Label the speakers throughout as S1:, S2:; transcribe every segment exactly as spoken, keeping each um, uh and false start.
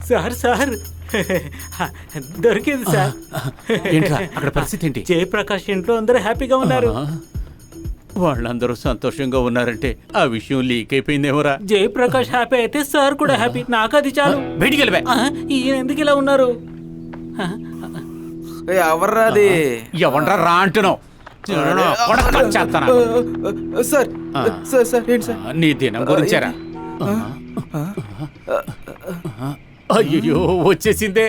S1: Sir sir దొరికింది sir.
S2: అక్కడ పరిస్థితి ఏంటి?
S1: జయప్రకాష్ ఇంట్లో అందరూ హ్యాపీగా ఉన్నారు.
S2: వాళ్ళందరూ సంతోషంగా ఉన్నారంటే ఆ విషయం లీక్ అయిపోయిందేమోరా.
S1: జయప్రకాష్ హ్యాపీ అయితే సార్ కూడా హ్యాపీ. నాకు అది చాలు.
S2: బయటికి వెళ్ళిపో.
S1: ఈయన ఎందుకు ఇలా ఉన్నారు?
S3: ఎవర్రా అది?
S2: ఎవర్రా రా అంటున్నావు?
S3: సార్ సార్ సార్ ఏంటి సార్?
S2: నీ దినం గురించారా? అయ్యో వచ్చేసిందే.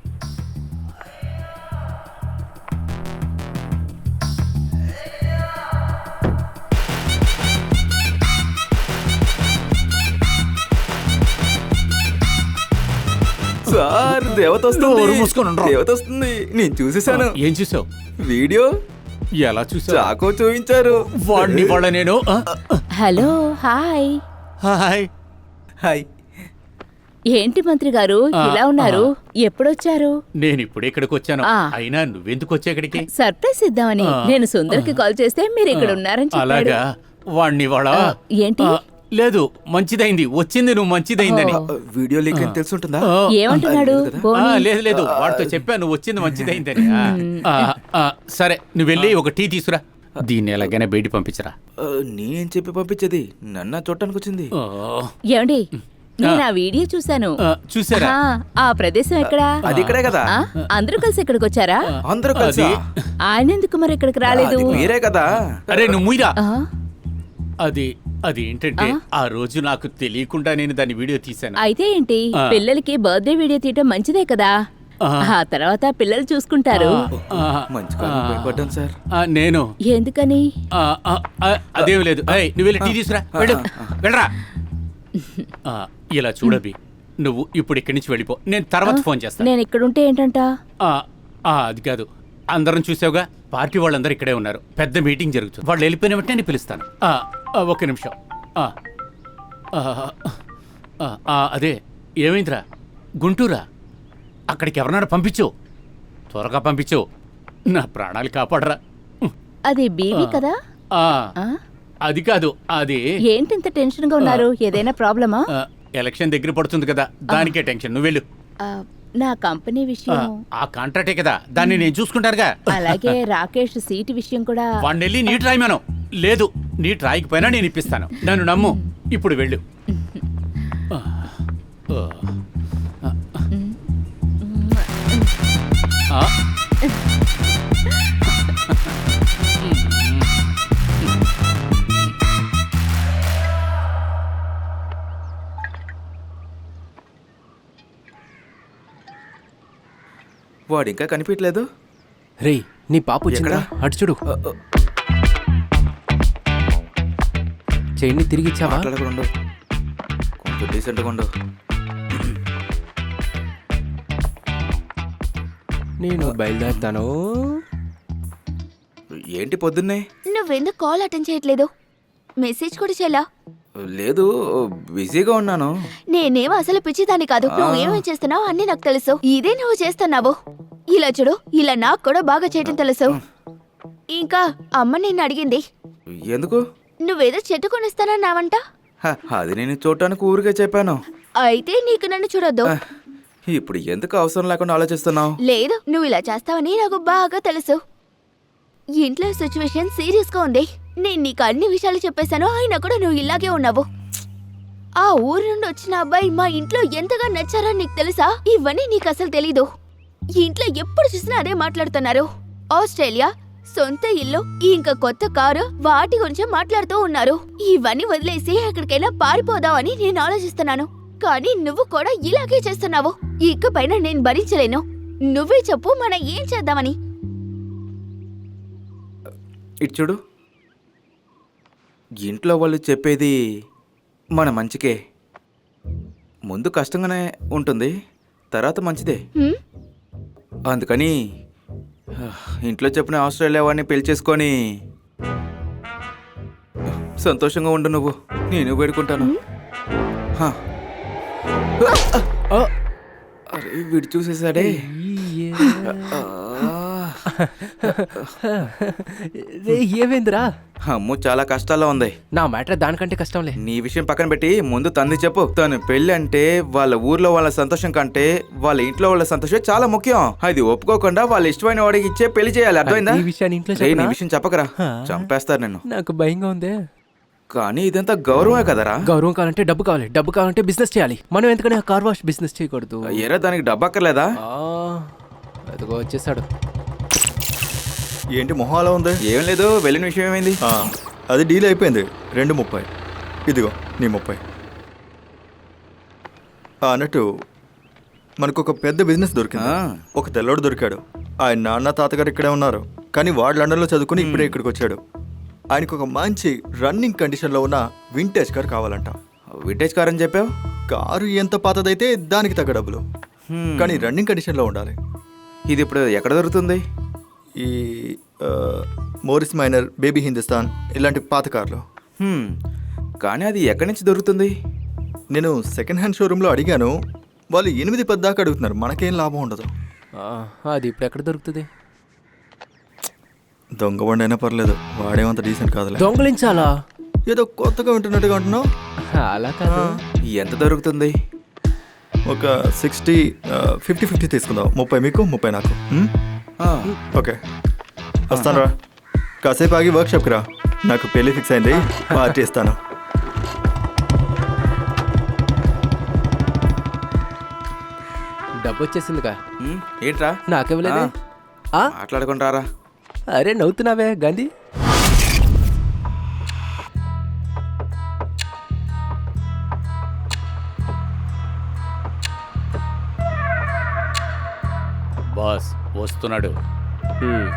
S3: సార్ దేవత వస్తుంది. దేవత వస్తుంది. నేను చూసేసాను.
S2: ఏం చూసావు?
S3: వీడియో.
S2: ఎలా చూసావు?
S3: చాకో చూపించారు.
S2: వాడిని వాళ్ళ నేను.
S4: Hello hi.
S2: Hi
S3: hi.
S4: ఏంటి మంత్రి గారు ఇలా ఉన్నారు? ఎప్పుడొచ్చారు?
S2: నేను ఇప్పుడు ఇక్కడికి వచ్చాను. అయినా నువ్వెందుకు వచ్చా ఇక్కడికి?
S4: సర్ప్రైజ్ ఇద్దామని. నేను సుందర్కి కాల్ చేస్తే మీరు ఇక్కడ ఉన్నారని చెప్పాడు.
S2: అలాగా? వాడిని వాళ్ళ
S4: ఏంటి?
S2: లేదు మంచిదైంది వచ్చింది. నువ్వు మంచిదైందని.
S3: వీడియో లీక్ అని తెలుసుంటుందా?
S4: ఏమంటున్నాడు?
S2: లేదు లేదు వాడితో చెప్పా నువ్వు వచ్చింది మంచిదైందని. సరే నువ్వు వెళ్ళి ఒక టీ తీసుకురా. దీన్ని ఎలాగైనా బయట పంపించరా.
S3: నేనేం చెప్పి పంపించేది? నన్ను చూడటానికి వచ్చింది.
S4: ఏమండి నేను ఆ వీడియో చూసాను.
S2: చూసారా?
S4: ఆ ప్రదేశం ఎక్కడా?
S3: అది ఇక్కడే కదా.
S4: అందరూ కలిసి ఇక్కడికి వచ్చారా?
S3: అందరూ కలిసి.
S4: ఆయన ఎందుకు మరి ఇక్కడికి రాలేదు?
S3: మీరే కదా.
S2: అరే నువ్వు ముయ్యరా. అది అది ఏంటంటే ఆ రోజు నాకు తెలియకుండా నేను దాని వీడియో తీశాను.
S4: అయితే ఏంటి? పిల్లలకి బర్త్డే వీడియో తీయటం మంచిదే కదా. ఆ తర్వాత పిల్లలు చూసుకుంటారు.
S3: సార్
S2: నేను
S4: ఎందుకని?
S2: అదేం లేదు. నువ్వు వెళ్ళి టీ తీసుకురా. వెళ్ళరా. ఇలా చూడబి నువ్వు ఇప్పుడు ఇక్కడి నుంచి వెళ్ళిపో. నేను తర్వాత ఫోన్ చేస్తాను.
S4: నేను ఇక్కడ ఉంటే ఏంటంట?
S2: అది కాదు. అందరం చూసావుగా పార్టీ వాళ్ళందరూ ఇక్కడే ఉన్నారు. పెద్ద మీటింగ్ జరుగుతుంది. వాళ్ళు వెళ్ళిపోయిన వెంటనే నేను పిలుస్తాను. ఒక్క నిమిషం. అదే ఏమైందిరా? గుంటూరా? అక్కడికి ఎవరన్నా పంపించు. త్వరగా పంపించు. నా ప్రాణాలు కాపాడరా.
S4: అది బీవీ కదా?
S2: అది కాదు. అది
S4: ఏంటి ఇంత టెన్షన్ గా ఉన్నారు? ఏదైనా ప్రాబ్లమా?
S2: ఎలక్షన్ దగ్గర పడుతుంది కదా దానికే టెన్షన్. నువ్వు వెళ్ళు.
S4: నా కంపెనీ విషయం.
S2: ఆ కాంట్రాక్టే కదా దాన్ని నేను చూసుకుంటారుగా.
S4: అలాగే రాకేష్ సీటు విషయం కూడా.
S2: వాడిని వెళ్ళి నీట్ రాయమను. లేదు నీట్ రాయకపోయినా నేను ఇప్పిస్తాను. నన్ను నమ్ము. ఇప్పుడు వెళ్ళు.
S3: వాడు ఇంకా కనిపించలేదు.
S5: రే నీ పాప వచ్చిందా? అటు చూడు. చైన్ని తిరిగి ఇచ్చావా?
S3: కొంచెం డీసెంట్గా ఉండు.
S5: నేను బయలుదేరుతాను.
S3: ఏంటి పొద్దున్నే?
S6: నువ్వెందుకు కాల్ అటెండ్ చేయట్లేదు? మెసేజ్ కూడా చేయలా?
S3: లేదు బిజీగా ఉన్నాను.
S6: నేనేమో అసలు పిచ్చిదాన్ని కాదు. నువ్వు ఏమేం చేస్తున్నావు అన్ని నాకు తెలుసు. ఇదే నువ్వు చేస్తున్నావు. ఇలా చూడు, ఇలా నాకు కూడా బాగా చేయటం తెలుసు. ఇంకా అమ్మ నిన్ను అడిగింది.
S3: ఎందుకు?
S6: నువ్వేదో చెట్టు కొనిస్తానన్నావంట.
S3: అది నేను చూడటానికి ఊరికే చెప్పాను.
S6: అయితే నీకు నన్ను చూడొద్దు.
S3: ఇప్పుడు ఎందుకు అవసరం లేకుండా ఆలోచిస్తున్నావు?
S6: లేదు నువ్వు ఇలా చేస్తావని నాకు బాగా తెలుసు. ఇంట్లో సిచ్యువేషన్ సీరియస్ గా ఉంది. నేను నీకు అన్ని విషయాలు చెప్పేశాను. అయినా కూడా నువ్వు ఇలాగే ఉన్నావు. ఆ ఊరు నుండి వచ్చిన అబ్బాయి మా ఇంట్లో ఎంతగా నచ్చారో నీకు తెలుసా? ఇవన్నీ నీకు అసలు తెలీదు. ఇంట్లో ఎప్పుడు చూసినా అదే మాట్లాడుతున్నారు. ఆస్ట్రేలియా, సొంత ఇల్లు, ఇంకా కొత్త కారు, వాటి గురించి మాట్లాడుతూ ఉన్నారు. ఇవన్నీ వదిలేసి ఎక్కడికైనా పారిపోదామని నేను ఆలోచిస్తున్నాను. కానీ నువ్వు కూడా ఇలాగే చేస్తున్నావు. ఇకపైన నేను భరించలేను. నువ్వే చెప్పు మనం ఏం చేద్దామని.
S3: ఇటు చూడు, ఇంట్లో వాళ్ళు చెప్పేది మన మంచికే. ముందు కష్టంగానే ఉంటుంది, తర్వాత మంచిదే. అందుకని ఇంట్లో చెప్పిన ఆస్ట్రేలియా వాడిని పెళ్లి చేసుకొని సంతోషంగా ఉండు. నువ్వు నేను వేడుకుంటాను. అరే వీడు చూసేసాడే.
S5: రే ఏమైందిరా?
S3: అమ్ము చాలా కష్టాల్లో ఉంది.
S5: నా మ్యాటర్ దానికంటే కష్టంలే.
S3: నీ విషయం పక్కన పెట్టి ముందు తంది చెప్పు. తను పెళ్లి అంటే వాళ్ళ ఊర్లో వాళ్ళ సంతోషం కంటే వాళ్ళ ఇంట్లో వాళ్ళ సంతోషం చాలా ముఖ్యం. అది ఒప్పుకోకుండా వాళ్ళ ఇష్టమైన వాడికి ఇచ్చే పెళ్లి చేయాలి. అర్థమైందా?
S5: ఈ విషయాన్ని ఇంట్లో
S3: రేయ్, నీ
S5: చెప్పనా?
S3: విషయం చెప్పకరా, చంపేస్తారు నిన్ను.
S5: నాకు భయంగా ఉందే.
S3: కానీ ఇదంతా గౌరవమే కదరా.
S5: గౌరవం కావాలంటే డబ్బు కావాలి, డబ్బు కావాలంటే బిజినెస్ చేయాలి. మనం ఎందుకని కార్ వాష్ బిజినెస్ చేయకూడదు?
S3: ఏరా దానికి డబ్బు అక్కర్లేదా?
S5: ఆ, అదిగో వచ్చేసాడు.
S7: ఏంటి మొహం అలా ఉంది?
S3: ఏం లేదు, వెళ్ళిన విషయం ఏమైంది?
S7: ఆ, అది డీల్ అయిపోయింది. రెండు ముప్పై ఇదిగో నీ ముప్పై. ఆ, అన్నట్టు మనకు ఒక పెద్ద బిజినెస్ దొరికింది.
S3: ఆ.
S7: ఒక తెల్లోడు దొరికాడు. ఆయన నాన్న తాతగారు ఇక్కడే ఉన్నారు, కానీ వాడు లండన్లో చదువుకుని ఇప్పుడే ఇక్కడికి వచ్చాడు. ఆయనకు ఒక మంచి రన్నింగ్ కండిషన్లో ఉన్న వింటేజ్ కార్ కావాలంట.
S3: వింటేజ్ కార్ అని చెప్పావు.
S7: కారు ఎంత పాతదైతే దానికి తగ్గ డబ్బులు,
S3: హ్మ్.
S7: కానీ రన్నింగ్ కండిషన్లో ఉండాలి.
S3: ఇది ఇప్పుడు ఎక్కడ దొరుకుతుంది?
S7: ఈ ఆ, మోరిస్ మైనర్, బేబీ హిందుస్థాన్ ఇలాంటి పాత కార్లు.
S3: హ్మ్. కానీ అది ఎక్కడి నుంచి దొరుకుతుంది?
S7: నేను సెకండ్ హ్యాండ్ షోరూంలో అడిగాను. వాళ్ళు ఎనిమిది పది దాకా అడుగుతున్నారు. మనకేం లాభం ఉండదు.
S5: ఆ, అది ఇప్పుడు ఎక్కడ దొరుకుతుంది?
S7: దొంగ బండి అయినా పర్లేదు, వాడేమంత డీసెంట్ కాదులే.
S5: దొంగలించాలా?
S7: ఏదో కొత్తగా ఉంటున్నట్టుగా అంటున్నావు.
S5: అలా కాదు.
S3: ఎంత దొరుకుతుంది?
S7: ఒక సిక్స్టీ ఫిఫ్టీ ఫిఫ్టీ తీసుకుందాం. ముప్పై మీకు, ముప్పై నాకు. ఉమ్?
S3: ఆ,
S7: ఓకే, వస్తాను రా. కాసేపు ఆగి వర్క్షాప్కి రా. నాకు పెళ్ళి ఫిక్స్ అయింది, పార్టీ ఇస్తాను.
S5: డబ్బు వచ్చేసిందిగా.
S3: హ్మ్. ఏంట్రా
S5: నాకివ్వలేదే. ఆ?
S3: మాట్లాడుకుంటారా?
S5: అరే నవ్వుతున్నావే గాంధీ.
S2: బాస్ వస్తున్నాడు.
S5: హ్మ్.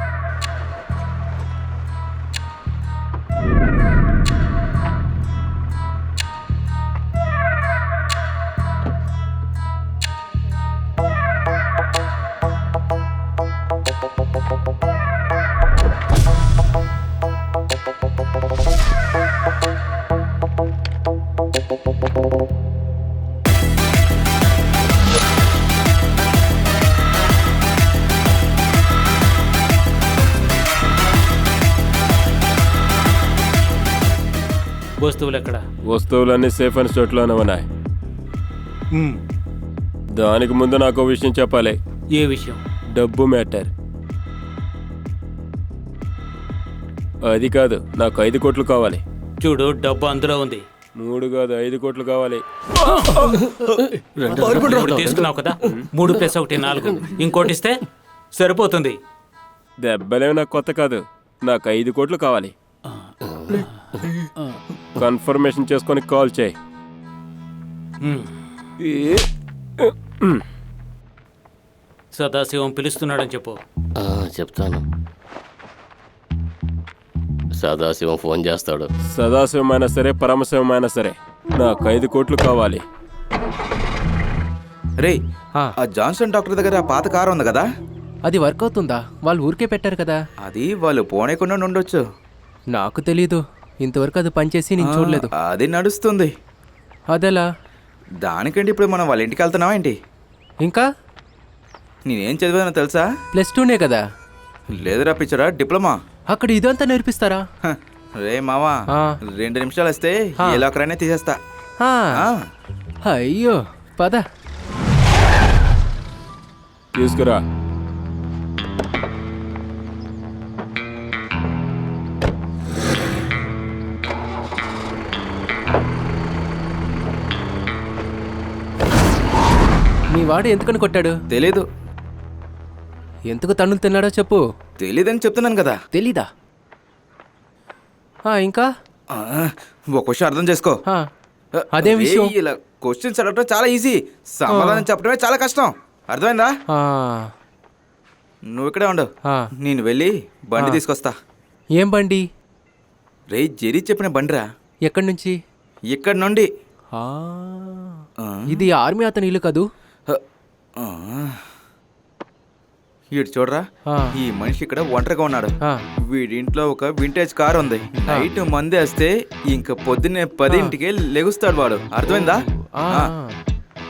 S1: వస్తువులు ఎక్కడ?
S8: వస్తువులన్నీ సేఫ్ అండ్ స్టోర్లోనే ఉన్నాయి. దానికి ముందు నాకు విషయం చెప్పాలి.
S1: ఏ విషయం?
S8: డబ్బు మ్యాటర్. అది కాదు, నాకు ఐదు కోట్లు కావాలి.
S1: చూడు, డబ్బు అందులో ఉంది.
S8: మూడు కాదు, ఐదు కోట్లు కావాలి.
S1: ఇప్పుడు తీసుకున్నావు కదా, మూడు ప్లస్ ఒకటి నాలుగు, ఇంకోటి ఇస్తే సరిపోతుంది.
S8: దెబ్బలేవి నాకు కొత్త కాదు, నాకు ఐదు కోట్లు కావాలి. కన్ఫర్మేషన్ చేసుకొని కాల్ చేయి.
S1: సదాశివం పిలుస్తున్నాడని చెప్పు.
S9: ఆ, చెప్తాను. సదాశివం ఫోన్ చేస్తాడు.
S8: సదాశివమైనా సరే, పరమశివమైనా సరే, నాకు ఐదు కోట్లు కావాలి.
S3: రే,
S5: ఆ.
S3: ఆ జాన్సన్ డాక్టర్ దగ్గర ఆ పాత కారు ఉంది కదా,
S5: అది వర్క్ అవుతుందా? వాళ్ళు ఊరికే పెట్టారు కదా.
S3: అది వాళ్ళు పోనేకుండా ఉండొచ్చు.
S5: నాకు తెలీదు, ఇంతవరకు అది పనిచేసి నేను చూడలేదు.
S3: ఆ, అది నడుస్తుంది.
S5: అదెలా?
S3: దానికంటే ఇప్పుడు మనం వాళ్ళ ఇంటికి వెళ్తున్నావా ఏంటి?
S5: ఇంకా
S3: నేనేం చదివానో తెలుసా?
S5: ప్లస్ టూనే కదా.
S3: లేదురా పిచ్చరా, డిప్లొమా.
S5: అక్కడ ఇదంతా నేర్పిస్తారా?
S3: హ, రే మావా,
S5: ఆ.
S3: రెండు నిమిషాలు వస్తే
S5: ఆ.
S3: ఏ లోకరైనా తీసేస్తా.
S5: ఆ,
S3: ఆ.
S5: అయ్యో పద.
S8: తీసుకురా.
S5: మీ వాడు ఎందుకని కొట్టాడు?
S3: తెలీదు.
S5: ఎందుకు తన్నులు తిన్నాడో చెప్పు.
S3: తెలీదని చెప్తున్నాను కదా.
S5: తెలీదా? ఆ, ఇంకా
S3: ఆ, ఒక విషయం అర్థం చేసుకో.
S5: ఆ, అదేం
S3: రే,
S5: విషయం?
S3: ఇలా క్వశ్చన్స్ అడగటం చాలా ఈజీ, సమాధానం చెప్పడమే చాలా కష్టం. అర్థమైందా?
S5: ఆ,
S3: నువ్వు ఇక్కడే ఉండు,
S5: ఆ.
S3: నేను వెళ్ళి బండి
S5: ఆ.
S3: తీసుకొస్తా.
S5: ఏం బండి?
S3: రే, జెరీ చెప్పిన బండిరా,
S5: ఎక్కడి నుంచి?
S3: ఇక్కడ నుండి.
S5: ఆ,
S3: ఆ.
S5: ఇది ఆర్మీ అతని ఇల్లు కదూ?
S3: ఆ. ఇటు చూడరా,
S5: ఆ.
S3: ఈ మనిషి ఇక్కడ ఒంటరిగా ఉన్నాడు.
S5: ఆ.
S3: వీడింట్లో ఒక వింటేజ్ కార్ ఉంది. నైట్ మంది వేస్తే ఇంక పొద్దున్నే పదింటికే లెగుస్తాడు వాడు. అర్థమైందా?
S5: ఆ,
S3: ఆ.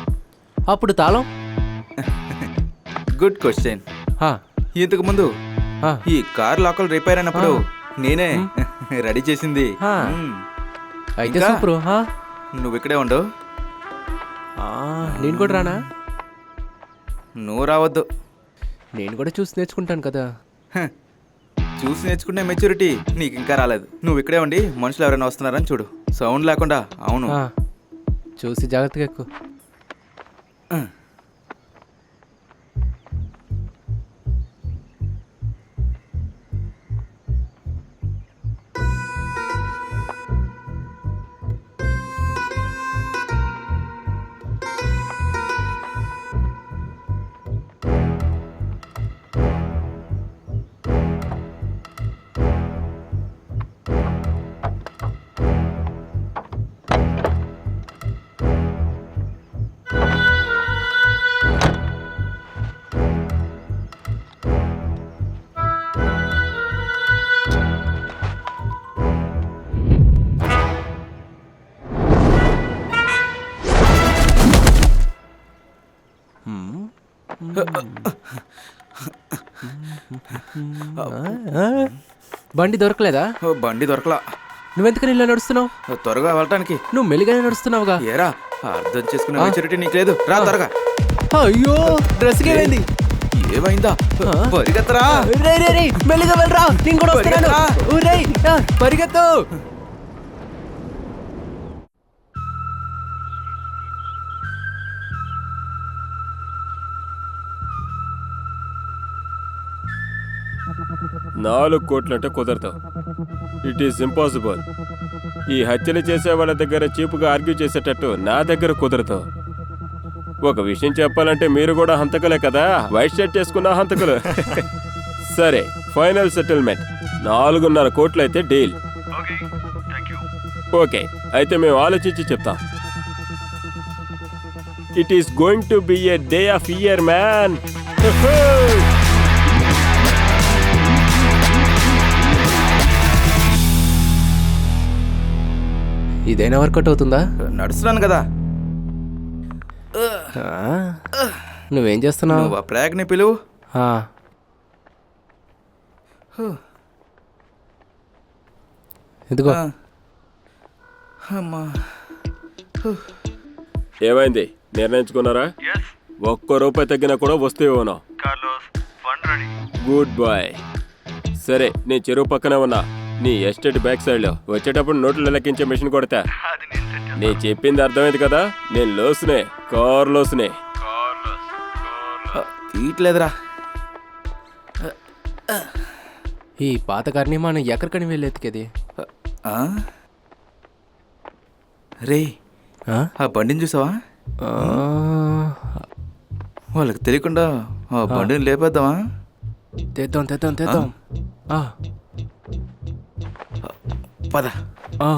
S5: అప్పుడు తాళం?
S3: Good question.
S5: ఆ,
S3: ఇంతకు ముందు
S5: ఆ.
S3: ఈ కార్ లోకల్ రిపేర్ అయినప్పుడు నేనే రెడీ చేసింది.
S5: ఆ.
S3: మ్మ్.
S5: అయితే
S3: ఇంకా?
S5: సూపరు ఆ?
S3: నువ్వు ఇక్కడే ఉండు,
S5: ఆ, నేను కూడా రానా?
S3: నువ్వు రావద్దు.
S5: నేను కూడా చూసి నేర్చుకుంటాను కదా.
S3: హ. చూసి నేర్చుకునే మెచ్యూరిటీ నీకు ఇంకా రాలేదు. నువ్వు ఇక్కడే ఉండి మనుషులు ఎవరైనా వస్తున్నారని చూడు, సౌండ్ లేకుండా. అవును.
S5: ఆ, చూసి జాగ్రత్తగా ఎక్కువ. బండి దొరకలేదా?
S3: ఓ, బండి దొరకలా.
S5: నువ్వెందుకని ఇలా నడుస్తున్నావు?
S3: త్వరగా వెళ్ళటానికి.
S5: నువ్వు మెల్లిగానే నడుస్తున్నావుగా.
S3: ఏరా, అర్థం చేసుకునే మెచ్యూరిటీ నీకు లేదు. రా త్వరగా.
S5: అయ్యో, డ్రెస్ ఏమైంది?
S3: ఏమైందా?
S5: ఆ?
S3: పరిగెత్తరా.
S5: రే రే రే, మెల్లిగా వెళ్ళరా, నేను కూడా వస్తున్నాను.
S3: పరిగెత్తరా.
S5: ఊరేయ్, ఆ, పరిగెత్తు.
S8: నాలుగు కోట్లంటే కుదరదు. It is impossible. ఈ హత్యలు చేసే వాళ్ళ దగ్గర చీపుగా ఆర్గ్యూ చేసేటట్టు నా దగ్గర కుదరదు. ఒక విషయం చెప్పాలంటే మీరు కూడా హంతకులే కదా, వైట్ షర్ట్ చేసుకున్న హంతకులు. సరే, ఫైనల్ సెటిల్మెంట్ నాలుగున్నర కోట్లు అయితే డీల్. ఓకే, అయితే మేము ఆలోచించి చెప్తాం. It is going to be a day of year man.
S5: ఇదైనా వర్కౌట్ అవుతుందా?
S3: నడుస్తున్నాను కదా.
S5: ఆ, నువ్వేం చేస్తున్నావు?
S3: నువ్వు ఆ ప్రేగ్ని పిలువు.
S5: ఆ, ఇదిగో.
S3: ఆ. అమ్మా.
S8: ఏమైంది, నిర్ణయించుకున్నారా? ఒక్క రూపాయి తగ్గినా కూడా వస్తే ఇవ్వను. Good boy. సరే, నేను చెరువు పక్కనే ఉన్నా, నీ ఎస్టేట్ బ్యాక్ సైడ్ లో. వచ్చేటప్పుడు నోట్లు లెక్కించే మిషన్ కొడతా. నీ చెప్పింది అర్థమైంది కదా, నేను లోసునే, కార్ లోసునే.
S3: తీయట్లేదురా.
S5: ఈ పాత కార్ని మనం ఎక్కడికని వెళ్ళి ఎత్తికేది?
S3: ఆ? రే,
S5: ఆ?
S3: ఆ బండిని చూసావా?
S5: ఆ,
S3: వాళ్ళకి తెలియకుండా ఆ బండిని లేపేద్దామా?
S5: తెద్దాం తెద్దాం తెద్దాం. ఆ,
S3: పద.
S5: ఆ.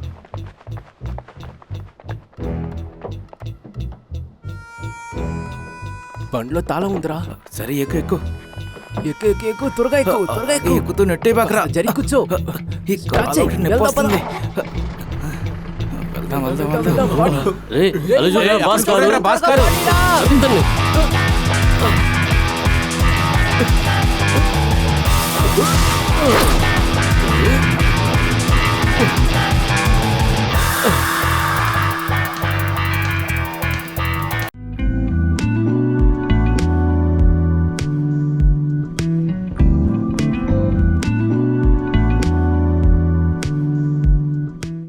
S5: బండిలో తాళం ఉందిరా.
S3: సరే, ఎక్కు ఎక్కు.
S5: ఎక్కు ఎక్కు ఎక్కు, త్వరగా ఎక్కు, త్వరగా ఎక్కు.
S3: ఎక్కుతూ నెట్టే బాకరా.
S5: జరిగి కూర్చో.
S3: ఈ కాలు ఒకటి నొప్పి వస్తుంది. వెళ్దాం వెళ్దాం వెళ్దాం.
S9: రే అలా చూడరా, బాస్ కారు.
S3: భాస్కర్.
S9: అందరినీ.
S3: ఆ